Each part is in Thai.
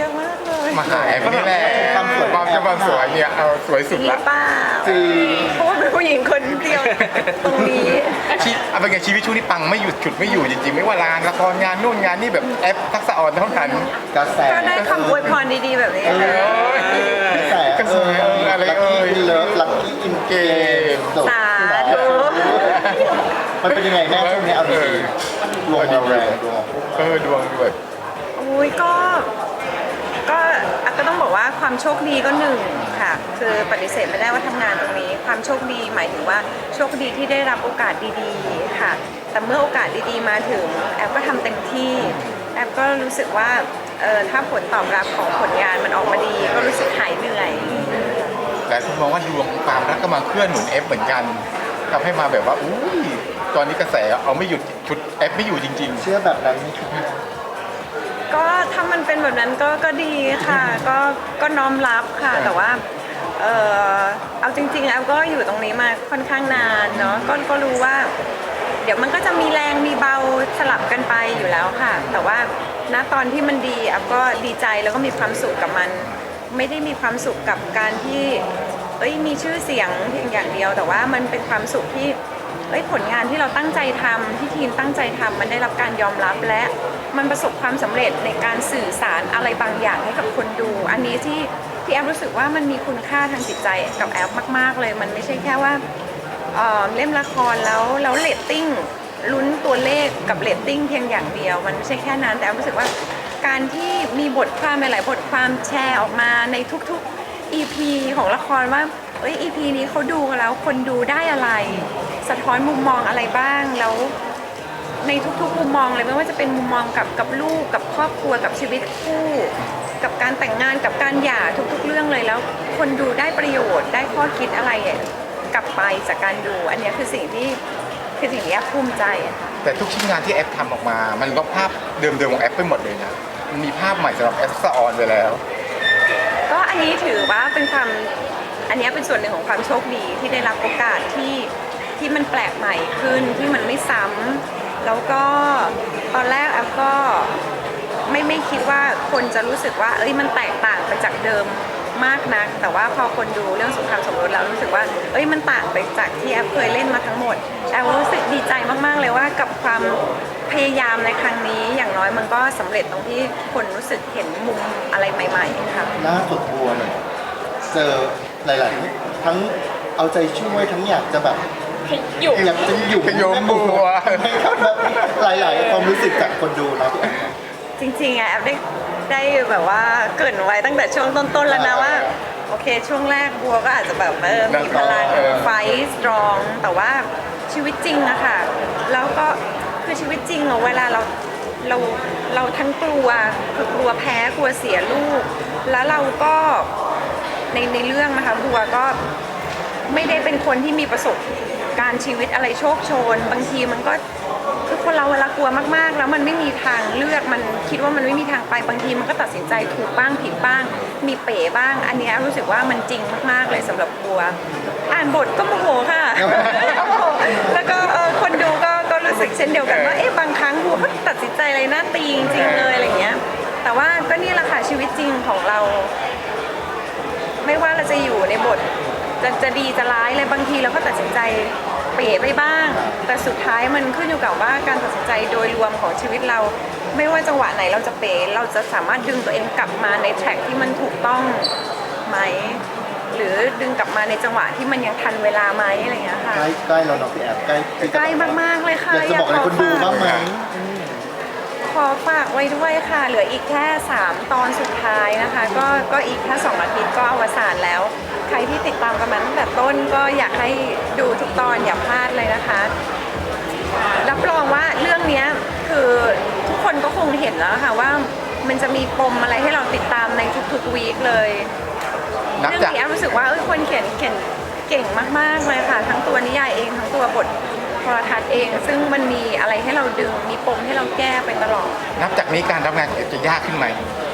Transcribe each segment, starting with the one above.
อะมากเลยมาหาแอปนี่แหละความสวยเนี่ยเอาสวยสุดจริงหละรือเปล่าจริงเพราะว่าเป็นผู้หญิงคนเดียวตรงนี้เอาเป็นไงชีวิตช่วงนี้ปังไม่หยุดฉุดไม่อยู่จริงๆไม่ว่าร้านละครงานนู่นงานนี่แบบแอปทักษะอ่อนเท่านั้นกระแสก็ได้คำอวยพรดีๆแบบนี้เอค่ะอกระแสกระแสอะไรลัคเอ่กี้ยอินเลิฟลัคกี้อินเกมจบสาธุมันเป็นยังไงแม่ช่วงนี้เอาดีๆดวงเราแรงดวงดวงแบบอุ้ยก็อ่ะก็ต้องบอกว่าความโชคดีก็หนึ่งค่ะ คือปฏิเสธไม่ได้ว่าทำงานตรงนี้ ความโชคดีหมายถึงว่าโชคดีที่ได้รับโอกาสดีๆค่ะ แต่เมื่อโอกาสดีๆมาถึงแอปก็ทำเต็มที่แอปก็รู้สึกว่าถ้าผลตอบรับของผลงานมันออกมาดี ก็รู้สึกหายเหนื่อยแต่คุณมองว่าดวงของความรักก็มาเคลื่อนหนุนแอปเหมือนกันทำให้มาแบบว่าอุ้ยตอนนี้กระแสเอาไม่หยุดชุดแอปไม่อยู่จริงเชื่อแบบนั้นไหมคะก็ถ้ามันเป็นแบบนั้นก็ดีค่ะ ก็น้อมรับค่ะ แต่ว่าเอาจริงๆแอลก็อยู่ตรงนี้มาค่อนข้างนานเนาะก็รู้ว่า เดี๋ยวมันก็จะมีแรงมีเบาสลับกันไปอยู่แล้วค่ะ แต่ว่าณตอนที่มันดีแอลก็ดีใจแล้วก็มีความสุขกับมัน ไม่ได้มีความสุขกับการที่มีชื่อเสียงเพียงอย่างเดียว แต่ว่ามันเป็นความสุขที่ผลงานที่เราตั้งใจทำที่ทีมตั้งใจทำมันได้รับการยอมรับและมันประสบความสำเร็จในการสื่อสารอะไรบางอย่างให้กับคนดู อันนี้ที่แอฟรู้สึกว่ามันมีคุณค่าทางจิตใจกับแอฟมากๆเลยมันไม่ใช่แค่ว่าเล่มละครแล้วเรตติ้งลุ้นตัวเลขกับเรตติ้งเพียงอย่างเดียวมันไม่ใช่แค่นั้นแต่แอฟรู้สึกว่าการที่มีบทความหลายบทความแชร์ออกมาในทุกๆ EP ของละครว่าEP นี้เขาดูกันแล้วคนดูได้อะไรสะท้อนมุมมองอะไรบ้างแล้วในทุกๆมุมมองเลยไม่ว่าจะเป็นมุมมองกับลูกกับครอบครัวกับชีวิตคู่กับการแต่งงานกับการหย่าทุกๆเรื่องเลยแล้วคนดูได้ประโยชน์ได้ข้อคิดอะไรกลับไปจากการดูอันนี้คือสิ่งที่แอฟภูมิใจค่ะๆ แต่ทุกชิ้นงานที่แอปทำออกมา มันลบภาพเดิมๆของแอปไปหมดเลยนะมันมีภาพใหม่สำหรับแอปทักษะอ่อนไปแล้วก็อันนี้ถือว่าเป็นอันนี้เป็นส่วนหนึ่งของความโชคดีที่ได้รับโอกาสที่มันแปลกใหม่ขึ้นที่มันไม่ซ้ำแล้วก็ตอนแรกแอฟก็ไม่คิดว่าคนจะรู้สึกว่ามันแตกต่างไปจากเดิมมากนักแต่ว่าพอคนดูเรื่องสงครามสมรสแล้วรู้สึกว่ามันต่างไปจากที่แอฟเคยเล่นมาทั้งหมดแอฟรู้สึกดีใจมากๆเลยว่ากับความพยายามในครั้งนี้อย่างน้อยมันก็สำเร็จตรงที่คนรู้สึกเห็นมุมอะไรใหม่ๆค่ะล่าสุดบัวเนี่ยเจอหลายๆทั้งเอาใจช่วยทั้งอยากจะแบบอยากจะอยู่ขยมบัวหลายๆความรู้สึกจากคนดูนะพี่แอฟจริงๆอะแอฟได้แบบว่าเกริ่นไว้ตั้งแต่ช่วงต้นๆแล้วนะว่าโอเคช่วงแรกบัวก็อาจจะแบบมีพลังไฟสตรองแต่ว่าชีวิตจริงอะค่ะแล้วก็คือชีวิตจริงอะเวลาเราทั้งกลัวคือกลัวแพ้กลัวเสียลูก แล้วเราก็ในเรื่องนะคะบัวก็ไม่ได้เป็นคนที่มีประสบการณ์ชีวิตอะไรโชคโชนบางทีมันก็คือคนเราเวลากลัวมากๆแล้วมันไม่มีทางเลือกมันคิดว่ามันไม่มีทางไปบางทีมันก็ตัดสินใจถูกบ้างผิดบ้างมีเป๋บ้างอันนี้รู้สึกว่ามันจริงมากๆเลยสำหรับบัวอ่านบทก็โมโหค่ะ แล้วก็คนดูก็รู้สึกเช่นเดียวกันว่าบางครั้งบัวก็ตัดสินใจอะไรน่าตีจริงๆเลยอะไรเงี้ยแต่ว่าก็นี่แหละค่ะชีวิตจริงของเรา ไม่ว่าเราจะอยู่ในบทจะดีจะร้ายเลยบางทีเราก็ตัดสินใจเป๋ไปบ้าง แต่สุดท้ายมันขึ้นอยู่กับว่าการตัดสินใจโดยรวมของชีวิตเรา ไม่ว่าจังหวะไหนเราจะเป๋เราจะสามารถดึงตัวเองกลับมาในแทร็กที่มันถูกต้องไหมหรือดึงกลับมาในจังหวะที่มันยังทันเวลาไหมอะไรอย่างเงี้ยค่ะใกล้แล้วเนาะพี่แอฟใกล้ใกล้มากๆเลยค่ะอยากจะบอกอะไรคนดูบ้างไหมขอฝากไว้ด้วยค่ะเหลืออีกแค่3ตอนสุดท้ายนะคะก็อีกแค่2อาทิตย์ก็อวสานแล้วใครที่ติดตามกันมาตั้งแต่ต้นก็อยากให้ดูทุกตอนอย่าพลาดเลยนะคะรับรองว่าเรื่องนี้คือทุกคนก็คงเห็นแล้วค่ะว่ามันจะมีปมอะไรให้เราติดตามในทุกๆวีคเลยเรื่องนี้รู้สึกว่าคนเขียนเก่งมากๆเลยค่ะทั้งตัวนิยายเองทั้งตัวบทโทรทัศน์เองซึ่งมันมีอะไรให้เราดึงมีปมให้เราแก้ไปตลอดนับจากนี้การทำงานของแอปจะยากขึ้นไหม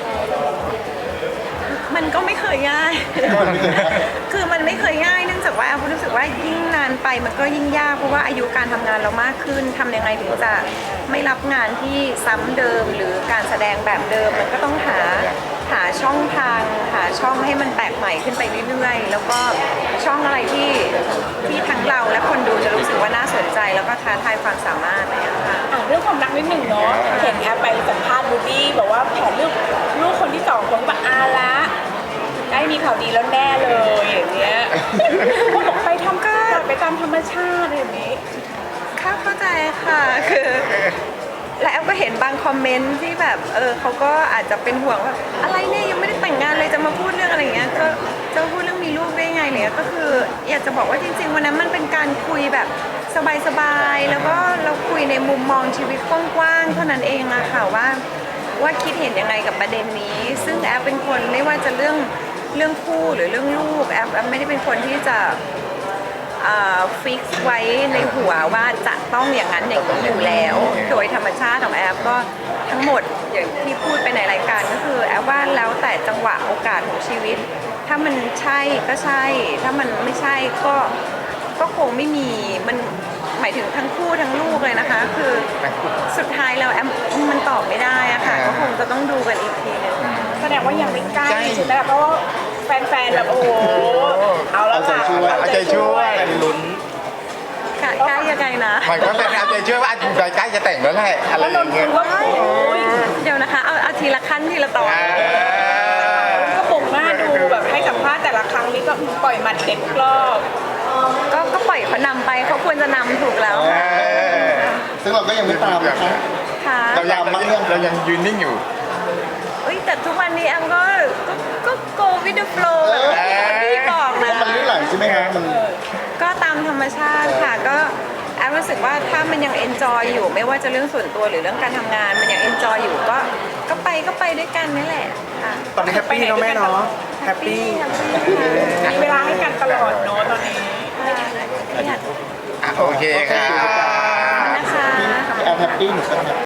มันก็ไม่เคยง่าย คือมันไม่เคยง่ายเนื่องจากว่าแอฟรู้สึกว่ายิ่งนานไปมันก็ยิ่งยากเพราะว่าอายุการทำงานเรามากขึ้นทำยังไงถึงจะไม่รับงานที่ซ้ำเดิมหรือการแสดงแบบเดิมมันก็ต้องหาหาช่องทางหาช่องให้มันแปลกใหม่ขึ้นไปเรื่อยๆแล้วก็ช่องอะไรที่ทั้งเราและคนดูจะรู้สึกว่าน่าสนใจแล้วก็ท้าทายความสามารถอะไรอย่างเงี้ยค่ะเรื่องความรักนิดหนึ่งเนาะเห็นแอปไปสัมภาษณ์บูบี้บอกว่าแผนลูกคนที่2ของแบบอาละได้มีข่าวดีแล้วแน่เลยอย่างเงี้ยเขาบอกไปทำก็ไปตามธรรมชาติอย่างนี้เข้าใจค่ะคือและแอฟก็เห็นบางคอมเมนต์ที่แบบเขาก็อาจจะเป็นห่วงว่าอะไรเนี่ยยังไม่ได้แต่งงานเลยจะมาพูดเรื่องอะไรอย่างเงี้ยก็จะพูดเรื่องมีลูกได้ไงเนี่ยก็คืออยากจะบอกว่าจริงๆวันนั้นมันเป็นการคุยแบบสบายๆแล้วก็เราคุยในมุมมองชีวิตกว้างๆเท่านั้นเองอะค่ะว่าคิดเห็นยังไงกับประเด็นนี้ ซึ่งแอฟเป็นคนไม่ว่าจะเรื่องคู่หรือเรื่องลูกแอฟไม่ได้เป็นคนที่จะฟิกไว้ในหัวว่าจะต้องอย่างนั้นอย่างนี้อยู่แล้ว โดยธรรมชาติของแอฟก็ทั้งหมดอย่างที่พูดไปในรายการก็คือแอฟว่าแล้วแต่จังหวะโอกาสของชีวิต ถ้ามันใช่ก็ใช่ ถ้ามันไม่ใช่ก็คงไม่มีมันหมายถึงทั้งคู่ทั้งลูกเลยนะคะ คือสุดท้ายแล้วแอฟมันตอบไม่ได้อะค่ะก็คงจะต้องดูกันอีกทีนึงแสดงว่ายังไม่ใกล้ใช่ไหมเพราะว่าแฟนๆแบบโอ้โหเอาแล้วค่ะเอาใจช่วยลุ้นใกล้ยังไงนะหมายความว่าเอาใจช่วยว่าใกล้จะแต่งแล้วแหละอะไรแล้วอน ย่าน งเงี้ยท์ว่าโอ้ยเดี๋ยวนะคะเอาทีละขั้นทีละตอนก็ปลุกหน้าดูแบบให้สัมภาษณ์แต่ละครั้งนี้ก็ปล่อยหมัดเด็ดทุกรอบก็ปล่อยเขานำไปเขาควรจะนำถูกแล้วค่ะซึ่งเราก็ยังไม่ตามนะคะค่ะเรายังยืนนิ่งอยู่เอ้ยแต่ทุกวันนี้แอมก็ go with the flow แบบที่บอกเพนะราะมันลื่นไหลใช่ไหมคะมันก็ตามธรรมชาติค่ะก็แอมรู้สึกว่าถ้ามันยัง enjoy อยู่ไม่ว่าจะเรื่องส่วนตัวหรือเรื่องการทำงานมันยัง enjoy อยู่ก็ไปด้วยกันนี่แหละค่ะตอนนี้แฮปปี้เนาะแม่เนาะแฮปปี้มีเวลาให้กันตลอดเนาะตอนนี้ค่ะโอเคค่ะนะคะแอปแฮปปี้หนูก็แฮปปี้